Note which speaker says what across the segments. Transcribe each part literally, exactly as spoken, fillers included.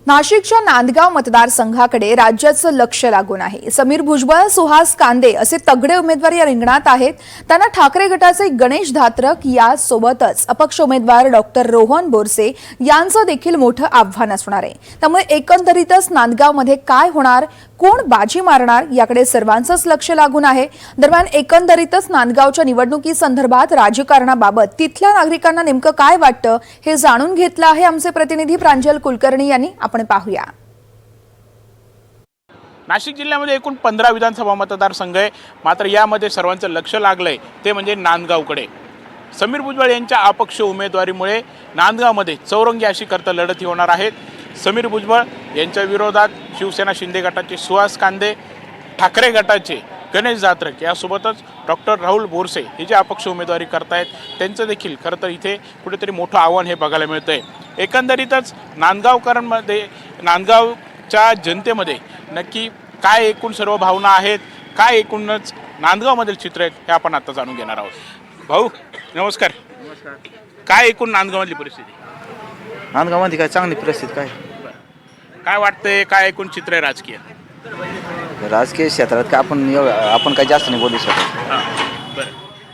Speaker 1: नाशिकच्या नांदगाव मतदारसंघाकडे राज्याचं लक्ष लागून आहे। समीर भुजबळ, सुहास कांदे असे तगडे उमेदवार या रिंगणात आहेत। त्यांना ठाकरे गटाचे गणेश धात्रक या सोबतच अपक्ष उमेदवार डॉक्टर रोहन बोरसे यांचं देखील मोठं आव्हान असणार आहे। त्यामुळे एकंदरीतच नांदगावमध्ये काय होणार, कोण बाजी मारणार याकडे सर्वांचंच लक्ष लागून आहे। दरम्यान एकंदरीतच नांदगावच्या निवडणुकीसंदर्भात राजकारणाबाबत तिथल्या नागरिकांना नेमकं काय वाटतं हे जाणून घेतलं आहे आमचे प्रतिनिधी प्रांजल कुलकर्णी यांनी। आपण पाहूया।
Speaker 2: नाशिक जिल्ह्यामध्ये एकूण पंधरा विधानसभा मतदारसंघ आहे, मात्र यामध्ये सर्वांचं लक्ष लागलंय ते म्हणजे नांदगावकडे। समीर भुजबळ यांच्या अपक्ष उमेदवारीमुळे नांदगावमध्ये चौरंगी अशी करता लढती होणार आहेत। समीर भुजबळ यांच्या विरोधात शिवसेना शिंदे गटाचे सुहास कांदे, ठाकरे गटाचे गणेश धात्रक यासोबतच डॉक्टर राहुल बोरसे हे जे अपक्ष उमेदवारी करतायत त्यांचं देखील खरं तर इथे कुठेतरी मोठं आव्हान हे बघायला मिळतंय। एकंदरीतच नांदगावकरांमध्ये, नांदगावच्या जनतेमध्ये नक्की काय एकूण सर्व भावना आहेत, काय एकूणच नांदगावमधील चित्र आहेत हे आपण आता जाणून घेणार आहोत। भाऊ नमस्कार।
Speaker 3: नमस्कार।
Speaker 2: काय एकूण नांदगावमधली परिस्थिती?
Speaker 3: नांदगावमध्ये काय चांगली परिस्थिती काय
Speaker 2: काय वाटतंय, काय एकूण चित्र आहे राजकीय?
Speaker 3: राजकीय क्षेत्रात काय आपण एवढं- आपण काय जास्त नाही बोलू शकत।
Speaker 2: हां बरं,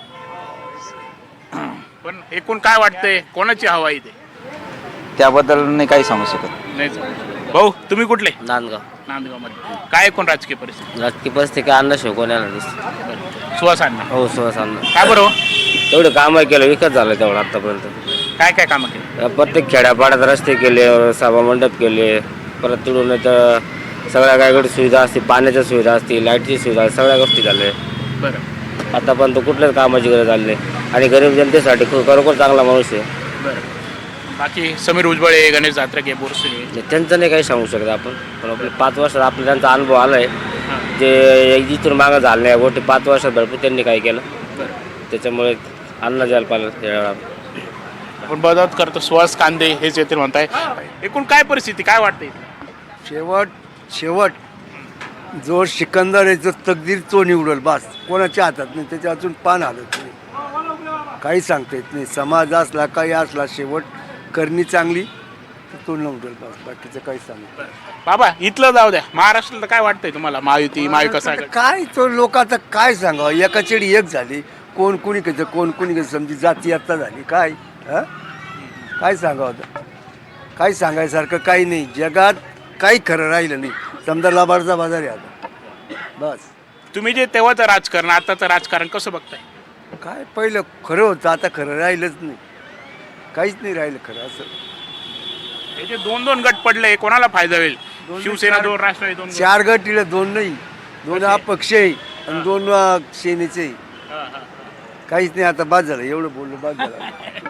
Speaker 2: पण एकूण काय वाटतंय, कोणाची हवा आहे इथे?
Speaker 3: त्याबद्दल नाही काही सांगू शकत।
Speaker 2: नाही भाऊ, तुम्ही कुठले?
Speaker 4: नांदगाव
Speaker 2: नांदगावमध्ये काय एकूण राजकीय परिस्थिती?
Speaker 4: राजकीय परिस्थिती काय अण्णा शिवकोण्याला दिसते।
Speaker 2: सुहास अण्णा
Speaker 4: हो सुहास अण्णा
Speaker 2: काय बरं?
Speaker 4: तेवढे कामं केलं, विकत झालं तेवढं आतापर्यंत।
Speaker 2: काय काय कामं केली?
Speaker 4: प्रत्येक खेड्यापाड्यात रस्ते केले, सभा मंडप केले, परत तिकडून तर सगळ्या काय सुविधा असते, पाण्याच्या सुविधा असते, लाईटची सुविधा, सगळ्या गोष्टी झाल्या।
Speaker 2: बरं
Speaker 4: आतापर्यंत कुठल्याच कामाची गरज आली नाही आणि गरीब जनतेसाठी खू- खरोखर चांगला माणूस आहे।
Speaker 2: बरं, बाकी समीर भुजबळ आहे, गणेश धात्रक आहे, बोरसे आहे,
Speaker 4: त्यांचं नाही काही सांगू शकत आपण, पण आपले पाच वर्षात आपला त्यांचा अनुभव आला आहे। जे इथून मागं झालं नाही गोष्टी पाच वर्षात भरपूर त्यांनी काय केलं, त्याच्यामुळे अण्णा जायला पाहिजे।
Speaker 2: आपण मदत करतो सुहास कांदे हेच येतील म्हणताय। एकूण काय परिस्थिती, काय वाटते?
Speaker 5: शेवट शेवट जो सिकंदर आहे जो तकदीर तो निवडल, बस कोणाच्या हातात नाही, त्याच्या अजून पान हालत नाही, काही सांगता येत नाही। समाज असला काही असला, शेवट करणी चांगली तर तो निवडल, बस बाकीचं काही सांगत
Speaker 2: बाबा इथलं जाऊ द्या, महाराष्ट्राला काय वाटतंय तुम्हाला? महायुती, महाविकास आघाडी?
Speaker 5: काय तो लोक आता काय सांगावं, एका चेडी एक झाली, कोण कुणी कसं कोण कुणी कसं समजी जाती आता झाली, काय हां काय सांगावं आता? काही सांगायसारखं काही नाही जगात, काही खरं राहिलं नाही। समजा लाभारचा बाजार आहे आता, बस।
Speaker 2: तुम्ही जे तेव्हाचं राजकारण आताचं राजकारण कसं बघताय?
Speaker 5: काय पहिलं खरं होतं, आता खरं राहिलंच नाही, काहीच नाही राहिलं खरं असं।
Speaker 2: हे जे दोन दोन गट पडले, कोणाला फायदा होईल? शिवसेना दोन, राष्ट्रवादी दोन गट.
Speaker 5: चार गट इकडे दोन नाही, दोन अपक्ष आहे आणि दोन अं, सेनेचे आहे।
Speaker 2: हां, हां.
Speaker 5: काहीच नाही, आता बाद झालं, एवढं बोललो बाद झालं।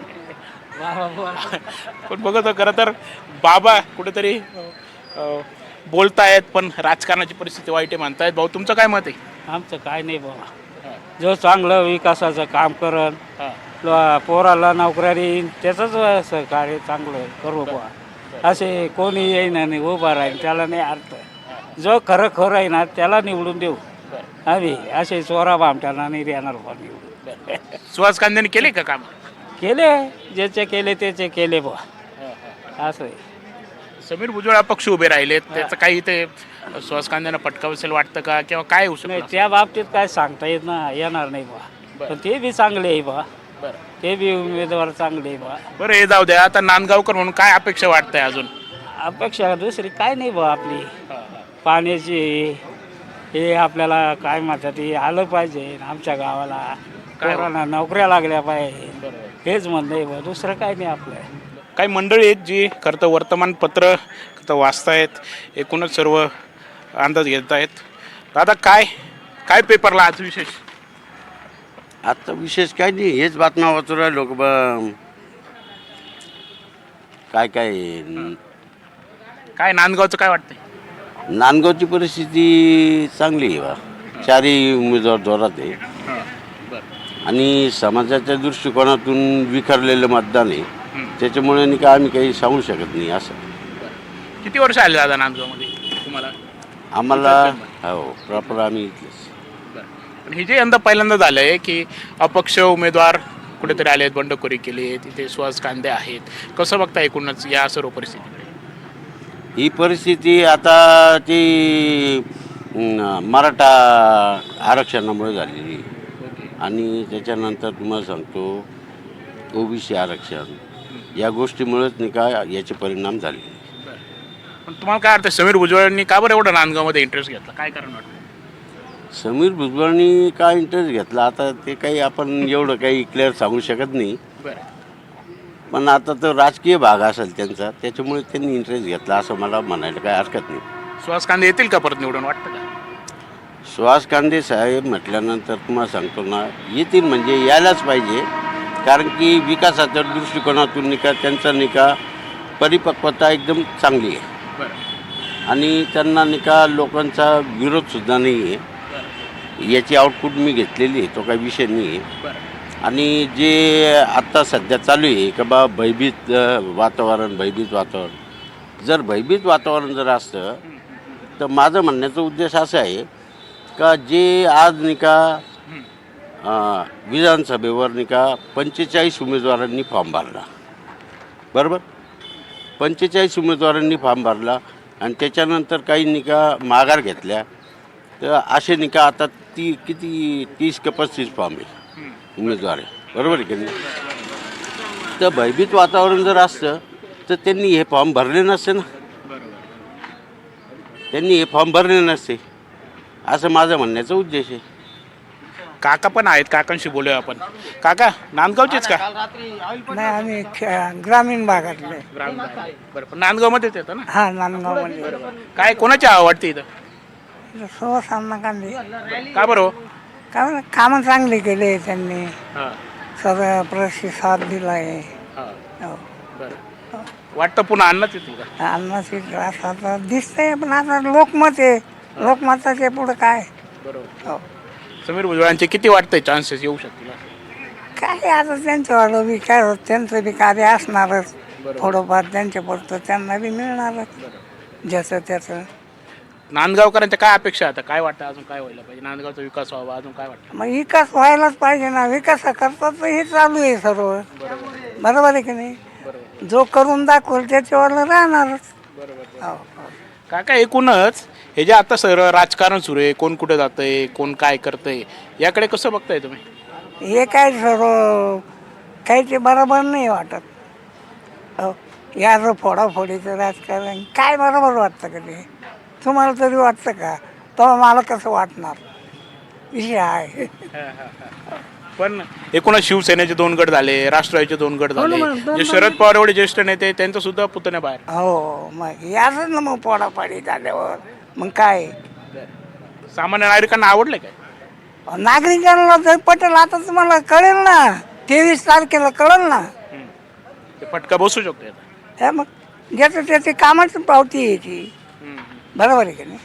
Speaker 2: पण बघत खरं तर बाबा कुठेतरी अं, बोलतायत, पण राजकारणाची परिस्थिती वाईट आहे म्हणतायत। भाऊ तुमचं काय मत आहे?
Speaker 6: आमचं काय नाही बाबा, जो चांगलं विकासाचं काम करन,
Speaker 2: हां.
Speaker 6: ल- पोराला नोकऱ्या देईन, त्याचंच सहकार्य चांगलं करू बा। असे कोणी येईन आणि उभा राहील त्याला नाही अर्थ। जो खरं खरं आहे ना त्याला निवडून देऊ आम्ही, असे चोरा भामट्याला नाही देणार बा निवडून।
Speaker 2: सुहास कांद्याने केले का काम?
Speaker 6: केले, ज्याचे केले त्याचे केले बा, असं आहे।
Speaker 2: समीर भुजबळ अपक्ष उभे राहिलेत, त्याचं काही ते सुहास कांद्यानं पटकाव असेल वाटतं का, किंवा काय होऊ
Speaker 6: नाही
Speaker 2: शकतं?
Speaker 6: त्या बाबतीत काय सांगता येत ना येणार नाही बा, पण ते बी चांगले आहे बा, ते बी उमेदवार चांगले आहे बा।
Speaker 2: बरं हे जाऊ द्या, आता नांदगावकर म्हणून काय अपेक्षा वाटतंय अजून?
Speaker 6: अपेक्षा दुसरी काय नाही बा आपली, पाण्याची हे आपल्याला काय म्हणतात ते आलं पाहिजे आमच्या गावाला, पोरांना नोकऱ्या लागल्या पाहिजे, हेच म्हणणं आहे बा, दुसरं काय नाही आपलं।
Speaker 2: काही मंडळी आहेत जी खरं तर वर्तमानपत्र तर वाचतायत, एकूणच सर्व अंदाज घेत आहेत। दादा काय काय पेपरला आज विशेष?
Speaker 7: आता विशेष काय नाही, हेच बातम्या वाचू राहिलो की ब काय काय
Speaker 2: काय नांदगावचं काय वाटतंय?
Speaker 7: नांदगावची परिस्थिती चांगली आहे बा, चारही उमेदवार जोरात आहे आणि समाजाच्या दृष्टिकोनातून विखरलेलं मतदान आहे, त्याच्यामुळे नाही का आम्ही काही सांगू शकत नाही असं।
Speaker 2: किती वर्ष आले दादा नांदगावमध्ये तुम्हाला?
Speaker 7: आम्हाला हो प्रॉपर आम्ही इथलेच।
Speaker 2: पण हे जे यंदा पहिल्यांदा झालं आहे की अपक्ष उमेदवार कुठेतरी आले आहेत, बंडखोरी केली आहे, तिथे सुहास कांदे आहेत, कसं बघता एकूणच या सर्व परिस्थितीकडे?
Speaker 7: ही परिस्थिती आता ती अं, मराठा आरक्षणामुळे झालेली आहे. आणि त्याच्यानंतर तुम्हाला सांगतो ओबीसी आरक्षण या गोष्टीमुळेच नाही का याचे परिणाम झाले.
Speaker 2: पण तुम्हाला काय वाटतं समीर भुजबळांनी का बरं एवढं नांदगावमध्ये इंटरेस्ट घेतला, काय कारण वाटतं?
Speaker 7: समीर भुजबळांनी काय इंटरेस्ट घेतला आता ते काही आपण एवढं काही क्लिअर सांगू शकत नाही.
Speaker 2: बरं.
Speaker 7: पण आता तो राजकीय भाग असेल त्यांचा, त्याच्यामुळे त्यांनी इंटरेस्ट घेतला असं मला म्हणायला काही हरकत नाही.
Speaker 2: सुहास कांदे येतील का परत निवडून, वाटतं का?
Speaker 7: सुहास कांदे साहेब म्हटल्यानंतर तुम्हाला सांगतो ना, येतील म्हणजे यायलाच पाहिजे. कारण की विकासाच्या दृष्टिकोनातून निका त्यांचा निका परिपक्वता एकदम चांगली आहे.
Speaker 2: बरं.
Speaker 7: आणि त्यांना निका लोकांचा विरोधसुद्धा नाही आहे. याची आउटपुट मी घेतलेली आहे, तो काही विषय नाही आहे.
Speaker 2: बरं.
Speaker 7: आणि जे आत्ता सध्या चालू आहे का बा भयभीत अ, वातावरण भयभीत वातावरण, जर भयभीत वातावरण जर असतं तर माझं म्हणण्याचा उद्देश असा आहे का जे आज नाही का अ, विधानसभेवर नाही का पंचेचाळीस उमेदवारांनी फॉर्म भरला, बरोबर, पंचेचाळीस उमेदवारांनी फॉर्म भरला आणि त्याच्यानंतर काही नाही का माघार घेतल्या, तर असे नाही का आता ती किती तीस का पस्तीस फॉर्म आहे उमेदवार आहे, बरोबर आहे की नाही. तर भयभीत वातावरण जर असतं तर त्यांनी हे फॉर्म भरले नसते ना, त्यांनी हे फॉर्म भरले नसते असं माझं म्हणण्याचा उद्देश आहे.
Speaker 2: काका पण आहेत, काकांशी बोलूया आपण. काका नांदगावचेच का?
Speaker 6: नाही आम्ही खे- ग्रामीण भागातले.
Speaker 2: ग्रामीण भाग. बरं, पण नांदगावमध्येच येतं ना.
Speaker 6: हा नांदगावमध्ये
Speaker 2: काय कोणाची आवडते इथं?
Speaker 6: सुहास अण्णा कांदे.
Speaker 2: का बरं हो?
Speaker 6: काय कामं चांगली केले त्यांनी,
Speaker 2: हां.
Speaker 6: सर्व प्रतिसाद दिला आहे.
Speaker 2: हां. बरं. वाटतं पुन्हा अन्नच येतील का?
Speaker 6: अन्नाची त्रास आता दिसतंय, पण आता लोकमत आहे, लोकमताचे पुढं काय.
Speaker 2: बरोबर.
Speaker 6: हो.
Speaker 2: समीर भुजबळांचे किती वाटतंय चान्सेस येऊ शकतील?
Speaker 6: काय आता त्यांच्यावालं बी काय होत, त्यांचं बी कार्य असणारच थोडंफार, त्यांच्या पुरतं त्यांना बी मिळणारच ज्याचं त्याचं.
Speaker 2: नांदगावकरांच्या काय अपेक्षा आता, काय वाटतं अजून काय व्हायला पाहिजे, नांदगावचा विकास व्हावा, अजून काय वाटतं?
Speaker 6: मग विकास व्हायलाच पाहिजे ना, विकासाकरता तर हे चालू आहे सर्व, बरोबर आहे की नाही. जो करून दाखवल त्याच्यावर राहणारच. हो, हो.
Speaker 2: काका एकूणच हे जे आता सर राजकारण सुरू आहे, कोण कुठे जातंय, कोण काय करतंय, याकडे कसं बघताय तुम्ही?
Speaker 6: हे काय सर्व काही ते बरोबर नाही वाटत. हो, याचं फोडाफोडीचं राजकारण काय बरोबर वाटतं का ते? तुम्हाला तरी वाटतं का? तेव्हा मला कसं वाटणार विषय आहे.
Speaker 2: पण एकूणच शिवसेनेचे दोन गट झाले, राष्ट्रवादीचे दोन गट
Speaker 6: हो ना,
Speaker 2: झाले,
Speaker 6: मग दोन-
Speaker 2: जे शरद पवार एवढे ज्येष्ठ नेते त्यांचं सुद्धा पुतण्या बाहेर.
Speaker 6: हो, मग याच ना मग फोडाफोडी झाल्यावर मग काय
Speaker 2: सामान्य नागरिकांना आवडलं काय?
Speaker 6: नागरिकांना जर पटेल आता तुम्हाला कळेल ना, तेवीस तारखेला कळेल ना.
Speaker 2: ते फटका बसू शकतो याचा.
Speaker 6: हे मग ज्याचं त्याची कामाची पावती आहे ती, बरोबर आहे की नाही.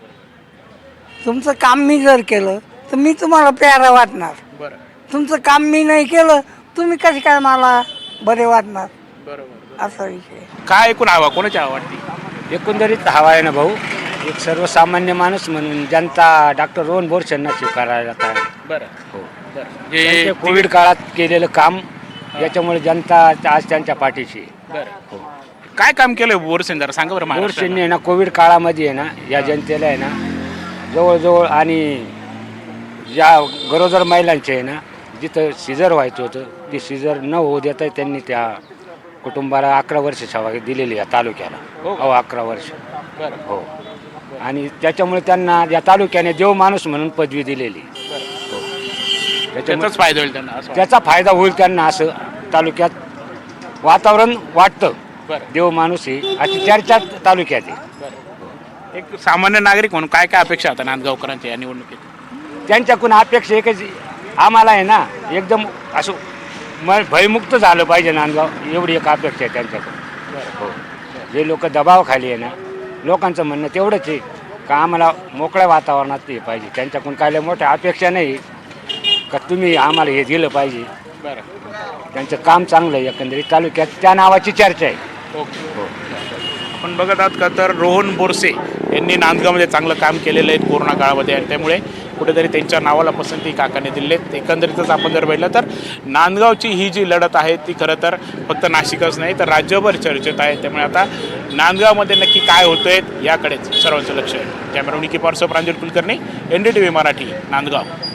Speaker 6: तुमचं काम मी जर केलं तर मी तुम्हाला प्यारा वाटणार,
Speaker 2: बरं.
Speaker 6: तुमचं काम मी नाही केलं तुम्ही कशी काय मला बरे वाटणार,
Speaker 2: बरोबर.
Speaker 6: असा विषय.
Speaker 2: काय एकूण हवा कोणाची आवडती?
Speaker 8: एकंदरीत हवा आहे ना भाऊ, एक सर्वसामान्य माणूस म्हणून जनता डॉक्टर रोहन बोरसेंना स्वीकारायला तयार आहे.
Speaker 2: बरं.
Speaker 8: हो.
Speaker 2: बरं.
Speaker 8: त्यांचे
Speaker 2: जे
Speaker 8: कोविड काळात केलेलं काम याच्यामुळे जनता आज त्यांच्या पाठीशी आहे.
Speaker 2: बरं. काय काम केलं बोरसेन, जरा सांगा बरं महाराष्ट्राला.
Speaker 8: बोरसेंनी आहे ना कोविड काळामध्ये आहे ना या जनतेला आहे ना जवळजवळ, आणि ज्या गरोदर महिलांचे आहे ना जिथं सिजर व्हायचं होतं ते सिजर न होऊ देता त्यांनी त्या कुटुंबाला अकरा वर्ष सेवा दिलेली या तालुक्याला.
Speaker 2: हो.
Speaker 8: हो, अकरा वर्ष.
Speaker 2: बरं.
Speaker 8: हो. आणि त्याच्यामुळे त्यांना या तालुक्याने देव माणूस म्हणून पदवी दिलेली. हो. त्याच्यामुळे
Speaker 2: त्याचाच फायदा होईल त्यांना असं
Speaker 8: त्याचा फायदा होईल त्यांना असं तालुक्यात वातावरण वाटतं.
Speaker 2: बरं.
Speaker 8: देव माणूस आहे अशी चर्चा तालुक्यात आहे.
Speaker 2: बरं. एक सामान्य नागरिक म्हणून काय काय अपेक्षा आता नांदगावकरांच्या या निवडणुकीत?
Speaker 8: त्यांच्याकडून अपेक्षा एकच, आम्हाला आहे ना एकदम असं म भयमुक्त झालं पाहिजे नांदगाव, एवढी एक अपेक्षा आहे त्यांच्याकडून. हो. जे लोक दबावाखाली आहे ना, लोकांचं म्हणणं तेवढंच आहे का आम्हाला मोकळ्या वातावरणात ते पाहिजे. त्यांच्याकडून काय लय मोठ्या अपेक्षा नाही का तुम्ही आम्हाला हे दिलं पाहिजे.
Speaker 2: बरं.
Speaker 8: त्यांचं काम चांगलं आहे, एकंदरीत तालुक्यात त्या नावाची चर्चा आहे.
Speaker 2: ओके. आपण बघत आहात का तर रोहन बोरसे यांनी नांदगावमध्ये चांगलं काम केलेलं आहे कोरोना काळामध्ये, आणि त्यामुळे कुठेतरी त्यांच्या नावाला पसंती काकाने दिली आहे. एकंदरीतच आपण जर बघितलं तर नांदगावची ही जी लढत आहे ती खरं तर फक्त नाशिकच नाही तर राज्यभर चर्चेत आहे. त्यामुळे आता नांदगावमध्ये नक्की काय होतंय याकडेच सर्वांचं लक्ष आहे. कॅमेरा निकी पारसो Pranjal Kulkarni, N D T V Marathi, Nandgaon.